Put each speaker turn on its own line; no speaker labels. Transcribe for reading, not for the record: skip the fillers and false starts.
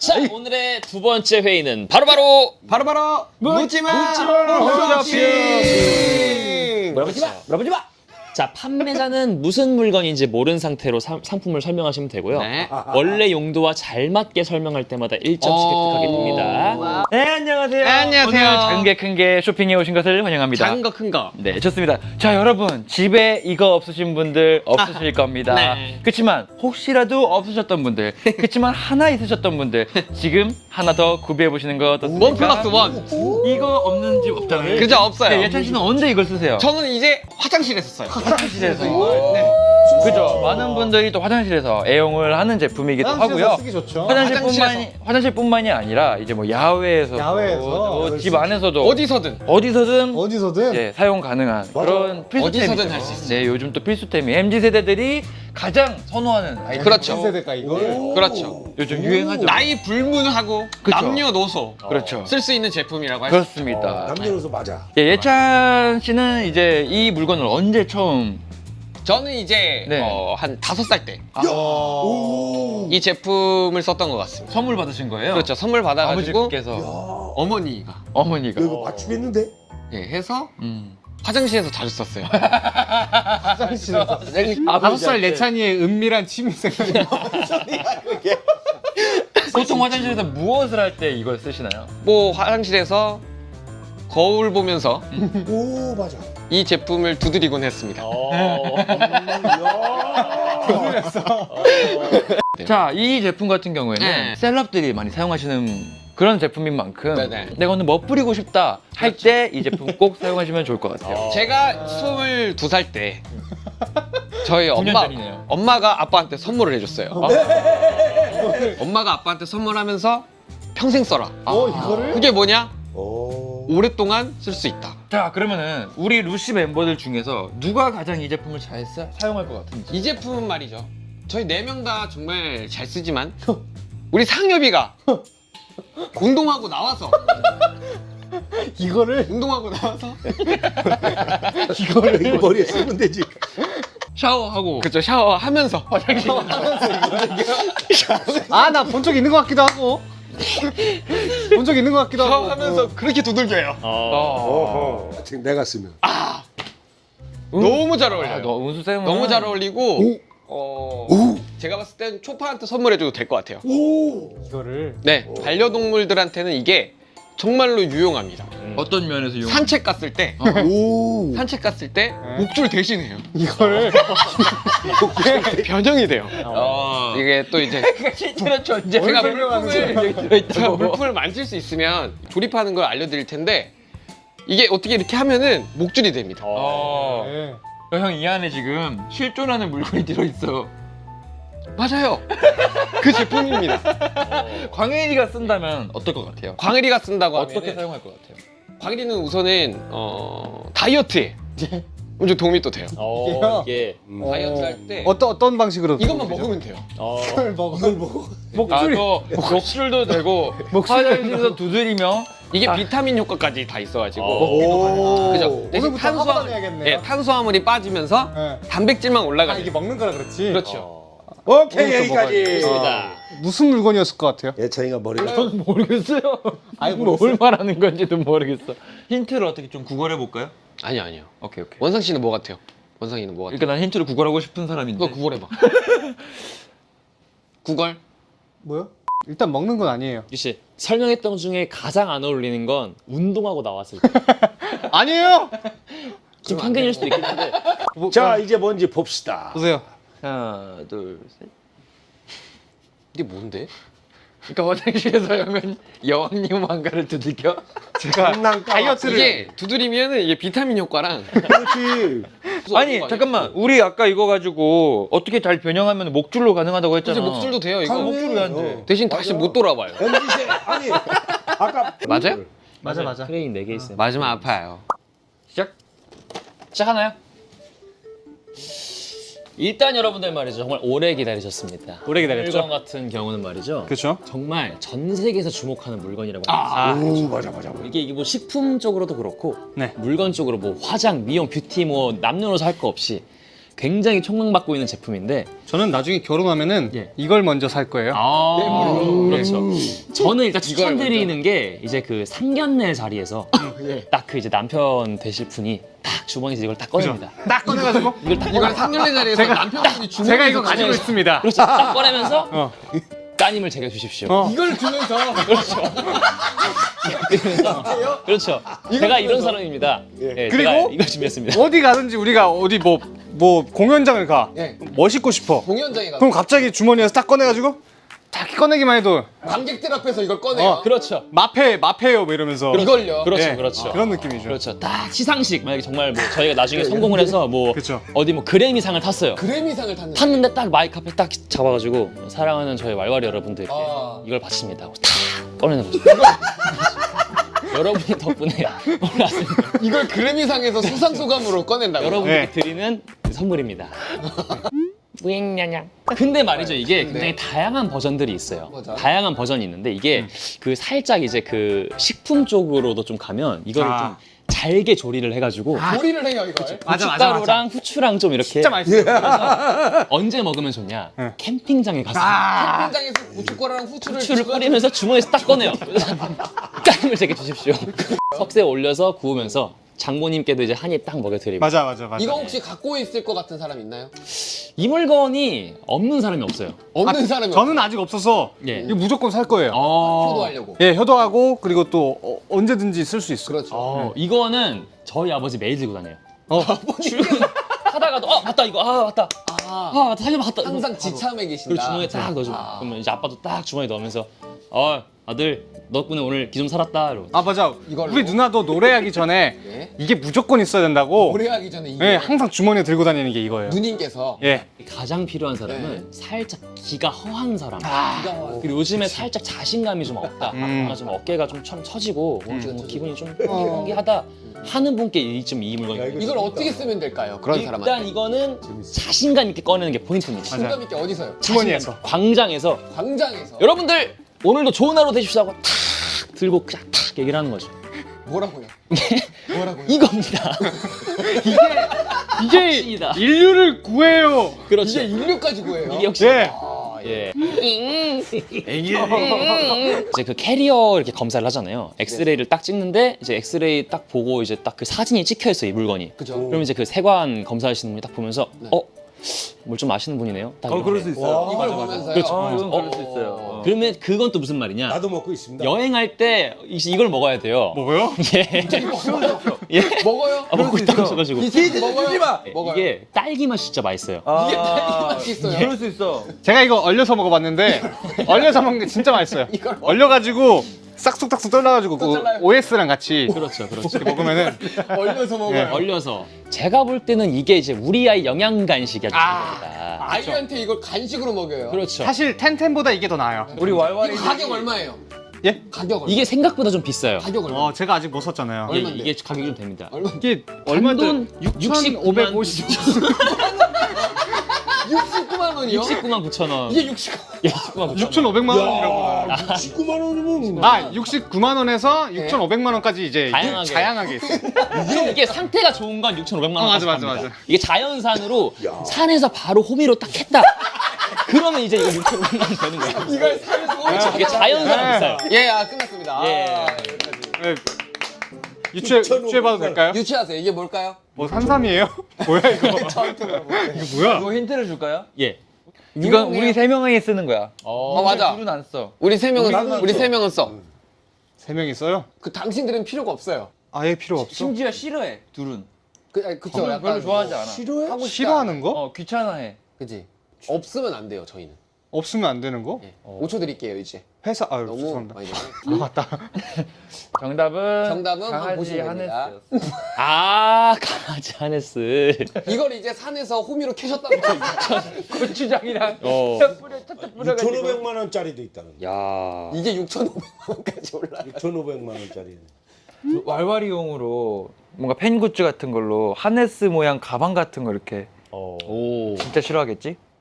자, 오늘의 두 번째 회의는 바로바로
묻지마
홈쇼핑. 물어보지 마. 자, 판매자는 무슨 물건인지 모른 상태로 상품을 설명하시면 되고요.
네.
원래 용도와 잘 맞게 설명할 때마다 1점씩 획득하게 됩니다.
네, 안녕하세요.
네, 안녕하세요.
오늘 작은 게 큰 게 쇼핑에 오신 것을 환영합니다.
작은 거 큰 거.
네, 좋습니다. 자, 여러분, 집에 이거 없으신 분들 없으실 겁니다.
네.
그렇지만 혹시라도 없으셨던 분들, 그렇지만 하나 있으셨던 분들, 지금 하나 더 구비해 보시는 거 어떻습니까?
원 플러스 원.
이거 없는 집 없잖아요.
그죠, 없어요.
네, 예찬 씨는 언제 이걸 쓰세요?
저는 이제 화장실에서 써요.
화장실에서 이걸. 네. 그죠. 많은 분들이 또 화장실에서 애용을 하는 제품이기도 하고요.
쓰기 좋죠.
화장실뿐만이 아니라 이제 뭐 야외에서,
야외에서
집 안에서도
어디서든.
어디서든
예, 사용 가능한 그런 필수템이죠.
어디서든 할수 있어요.
네, 요즘 또 필수템이 MZ 세대들이 가장 선호하는 아이템.
그렇죠.
세대가 이걸
그렇죠.
요즘 유행하죠.
나이 불문하고
그쵸.
남녀노소
그렇죠.
쓸 수 있는 제품이라고 할 수 있어요.
그렇습니다.
남녀노소 맞아.
예, 예찬 씨는 이제 이 물건을 언제 처음
저는 이제
네.
한 5살 때 이
오.
제품을 썼던 것 같습니다.
선물 받으신 거예요?
그렇죠. 선물 받아가지고
아버지께서
어머니가
어머니가
이거 맞추겠는데?
예, 해서
음.
화장실에서 자주 썼어요.
화장실에서.
5살 내찬이의 은밀한 취미생활이
보통 화장실에서 무엇을 할 때 이걸 쓰시나요?
뭐 화장실에서 거울 보면서
오 맞아.
이 제품을 두드리곤 했습니다.
자, 이 제품 같은 경우에는
네.
셀럽들이 많이 사용하시는 그런 제품인 만큼
네네.
내가 오늘 뭐 뿌리고 싶다 할 때 이 제품 꼭 사용하시면 좋을 것 같아요.
제가 22살 때 저희
9년 전이네요.
엄마가 아빠한테 선물을 해줬어요. 엄마가 아빠한테 선물하면서 평생 써라.
이거를?
그게 뭐냐?
오.
오랫동안 쓸 수 있다.
자, 그러면은 우리 루시 멤버들 중에서 누가 가장 이 제품을 잘 사용할 것 같은지.
이 제품은 말이죠. 저희 4명 다 정말 잘 쓰지만 우리 상엽이가 운동하고 나와서
이거를
운동하고 나와서
이거를 머리에 쓰면 되지.
샤워하고
그쵸 샤워하면서 화장실
아 나 본 적 있는 것 같기도 하고 본 적 있는 것 같기도 하고
샤워하면서 그렇게 두들겨요.
지금 내가 쓰면.
너무 잘 어울려요.
너 운수 쌤은
너무 잘 어울리고 제가 봤을 땐 초파한테 선물해줘도 될 것 같아요.
오.
이거를
네, 반려동물들한테는 이게 정말로 유용합니다.
어떤 면에서 이용?
산책 갔을 때
오.
산책 갔을 때 목줄 대신해요.
이거를
변형이 돼요.
어.
이게 또 이제
실제로 존재.
제가 물품을 만질 수 있으면 조립하는 걸 알려드릴 텐데 이게 어떻게 이렇게 하면은 목줄이 됩니다.
네.
형, 이 안에 지금 실존하는 물건이 들어있어.
맞아요. 그 제품입니다.
광일이가 쓴다면 어떨 것 같아요?
광일이가 쓴다고
어떻게
하면
사용할 것 같아요?
광일이는 우선은 다이어트에 엄청 도움이 또 돼요.
이게
다이어트 할 때
어떤 방식으로
이것만 먹으면 돼요.
이걸 먹어.
목줄이
목줄도 되고 화장실에서 두드리며
이게 비타민 효과까지 다 있어가지고
오.
그죠? 대신
오늘부터 하고 다녀야겠네요.
예, 탄수화물이 빠지면서
네.
단백질만 올라가요.
이게 먹는 거라 그렇지
그렇죠.
오케이 여기까지.
무슨 물건이었을 것 같아요?
예찬이가 머리가
모르겠어요.
아니,
뭘 말하는 건지도 모르겠어. 힌트를 어떻게 좀 구걸해 볼까요?
아니요.
오케이.
원상 씨는 뭐 같아요? 원상이는 뭐 같아요?
그러니까 난 힌트를 구걸하고 싶은 사람인데.
그거 구걸해봐. 구걸?
뭐요? 일단 먹는 건 아니에요.
유씨 설명했던 중에 가장 안 어울리는 건 운동하고 나왔을 때.
아니에요!
좀 편견일 수도 있긴 한데.
자 이제 뭔지 봅시다.
보세요.
하나, 둘, 셋.
이게 뭔데?
그러니까 화장실에서 형은 여왕님 왕가를 두들겨.
장난
다이어트를
이게 두드리면은 이게 비타민 효과랑
그렇지.
아니 잠깐만, 우리 아까 이거 가지고 어떻게 잘 변형하면 목줄로 가능하다고 했잖아.
이제 목줄도 돼요 이거.
가능해.
목줄이 안 돼.
대신 다시 못 돌아와요.
MZ 아니 아까
맞아요?
맞아.
크레인 4개 있어요.
맞으면 아파요.
시작하나요? 일단 여러분들 말이죠. 정말 오래 기다리셨습니다.
오래 기다렸죠?
물건 같은 경우는 말이죠.
그렇죠.
정말 전 세계에서 주목하는 물건이라고 합니다.
오 맞아.
이게 뭐 식품 쪽으로도 그렇고
네.
물건 쪽으로 뭐 화장, 미용, 뷰티 뭐 남녀노소 할 거 없이 굉장히 촉망받고 있는 제품인데
저는 나중에 결혼하면은
예.
이걸 먼저 살 거예요.
그렇죠. 저는 일단 추천드리는 게 이제 그 상견례 자리에서 딱 그 이제 남편 되실 분이 딱 주머니에서 이걸 딱 꺼냅니다.
딱 꺼내가지고
이걸 딱
이걸 상견례 자리에서 남편분이 주머니에서
제가 이거 가지고 있습니다.
그렇죠. 딱 꺼내면서
어.
따님을 제게 주십시오.
이걸 주면서
그렇죠. 제가 이런 사람입니다. 예,
그리고
제가 이걸 준비했습니다.
어디 가든지 우리가 어디 뭐 공연장을 가.
예.
멋있고 싶어.
공연장에 가서
그럼 갑자기 주머니에서 딱 꺼내가지고 딱 꺼내기만 해도
관객들 앞에서 이걸 꺼내요.
그렇죠.
마페요 뭐 이러면서
이걸요.
그렇죠.
예,
그렇죠.
그런 느낌이죠.
그렇죠. 딱 시상식 만약에 정말 뭐 저희가 나중에 성공을 해서 뭐
그렇죠.
어디 뭐 그래미상을 탔어요.
그래미상을 탔는데
탔는데 딱 마이크 앞에 딱 잡아가지고 사랑하는 저희 왈왈이 여러분들께
아.
이걸 바칩니다. 하고 탁 꺼내는 거죠. 여러분 덕분에 올라왔습니다.
이걸 그래미상에서 수상 소감으로 꺼낸다고.
여러분께
네.
드리는 선물입니다. 뿌잉냐냥. 근데 말이죠, 이게 굉장히 다양한 버전들이 있어요.
맞아.
다양한 버전이 있는데 이게 그 살짝 이제 그 식품 쪽으로도 좀 가면 이거를
아.
좀 잘게 조리를 해가지고
조리를 해요 이걸.
고춧가루랑 후추랑 좀 이렇게
진짜 맛있어요.
언제 먹으면 좋냐?
네.
캠핑장에 가서
캠핑장에서 고춧가루랑 후추를
후추를 뿌리면서 주머니에서 딱 꺼내요. 따님을 제게 주십시오. 석쇠에 올려서 구우면서 장모님께도 이제 한 입 딱 먹여드리고.
맞아.
이거 혹시 갖고 있을 것 같은 사람 있나요?
이 물건이 없는 사람이 없어요.
없는 사람이
저는 아직 없어서
예.
이거 무조건 살 거예요.
효도하려고.
예, 효도하고 그리고 또 언제든지 쓸 수 있어.
그렇죠.
이거는 저희 아버지 매일 들고 다녀요.
아버님
하다가도 맞다 이거 맞다 맞다 살려 맞다
항상 지참에 계신다.
그리고 주머니에 딱 넣어줘. 그러면 이제 아빠도 딱 주머니에 넣으면서 아들 덕분에 오늘 기 좀 살았다 이러고.
아 맞아.
이걸로?
우리 누나도 노래하기 전에
네.
이게 무조건 있어야 된다고.
노래하기 전에 이게
예, 항상 주머니에 들고 다니는 게 이거예요.
누님께서
예.
가장 필요한 사람은 살짝 기가 허한 사람.
기가
그리고 요즘에 살짝 자신감이 좀 없다. 뭔가 좀 어깨가 좀 처지고 오늘 좀 기분이 좀 허기하다 하는 분께 이 물건이.
이걸 어떻게 쓰면 될까요? 그런
일단
사람한테.
이거는 자신감 있게 꺼내는 게 포인트입니다.
공감 있게 어디서요?
주머니에서.
광장에서
광장에서.
여러분들 오늘도 좋은 하루 되십시오 하고 탁 들고 그냥 탁 얘기를 하는 거죠.
뭐라고요? 뭐라고요?
이겁니다.
이게
확실이다.
인류를 구해요.
그렇죠.
이게 인류까지 구해요.
이게 역시
예.
예. 이제 그 캐리어 이렇게 검사를 하잖아요. 엑스레이를 딱 찍는데 이제 엑스레이 딱 보고 이제 딱 그 사진이 찍혀 있어요, 이 물건이.
그죠.
그럼 이제 그 세관 검사하시는 분이 딱 보면서 뭘 좀 아시는 분이네요. 딱
그럴 수 있어요.
이걸 보면서요.
그렇죠.
이건 그럴 수 있어요.
그러면 그건 또 무슨 말이냐?
나도 먹고 있습니다.
여행할 때 이걸 먹어야 돼요.
뭐고요?
예.
먹어요?
먹고 있다고 하셔가지고.
먹어요?
예,
먹어요.
이게 딸기 맛이 진짜 맛있어요.
이게 딸기 맛이 있어요.
그럴 수 있어.
제가 이거 얼려서 먹어봤는데 얼려서 먹는 게 진짜 맛있어요.
이걸
얼려가지고 싹둑싹둑 떨려가지고 그
잘라요.
OS랑 같이
그렇죠, 그렇죠.
이렇게 먹으면은
얼려서 먹어요.
얼려서 제가 볼 때는 이게 이제 우리 아이 영양 간식이 아주 중요합니다.
아이한테 이걸 간식으로 먹여요.
그렇죠.
사실 텐텐보다 이게 더 나아요.
우리 왈왈이
이거 가격 얼마예요?
예?
가격 얼마?
이게 생각보다 좀 비싸요.
가격 얼마?
제가 아직 못 샀잖아요.
예,
얼마인데?
이게 가격이 좀 됩니다.
얼마?
이게
단돈
6,550.
69만 원이요?
69만 9천 원.
이게 69만
예, 69만 9천 원.
6,500만 원이라고.
19만 원이면
아, 69만 원에서 6,500만 원까지 이제
다양하게.
다양하게 있어요.
이게 상태가 좋은 건 6,500만 원.
맞아.
이게 자연산으로 산에서 바로 호미로 딱 했다. 그러면 이제 이거 6,500만 원 되는 거예요.
이걸 사면서
이게 자연산은
네.
비싸요.
예, 끝났습니다.
예.
네. 유추해봐도 될까요?
유치하세요. 이게 뭘까요?
뭐 산삼이에요? 뭐야 이거?
저한테 물어볼게요.
이거 뭐야?
이거 힌트를 줄까요?
예.
이건 우리 세 명이 쓰는 거야.
맞아.
둘은 안 써.
우리 세 명은 써.
세 명 있어요?
그 당신들은 필요가 없어요.
아예 필요 없어?
심지어 싫어해. 둘은.
그쵸.
별로, 별로 좋아하지 않아.
싫어해?
하고 싶다.
싫어하는 거?
귀찮아해.
그지. 없으면 안 돼요. 저희는.
없으면 안 되는 거?
예. 5초 드릴게요 이제.
회사 아유
너무
죄송합니다.
많이 되네.
아 맞다.
정답은
한번
강아지
보시면 됩니다.
하네스였어.
강아지 하네스.
이걸 이제 산에서 호미로 캐셨다고
고추장이랑
어.
뿌려가지고.
6,500만 원짜리도 있다는 거.
야.
이게 6,500만 원까지 올라가.
6,500만 원짜리.
왈왈이용으로 뭔가 펜 굿즈 같은 걸로 하네스 모양 가방 같은 거 이렇게
오.
진짜 싫어하겠지?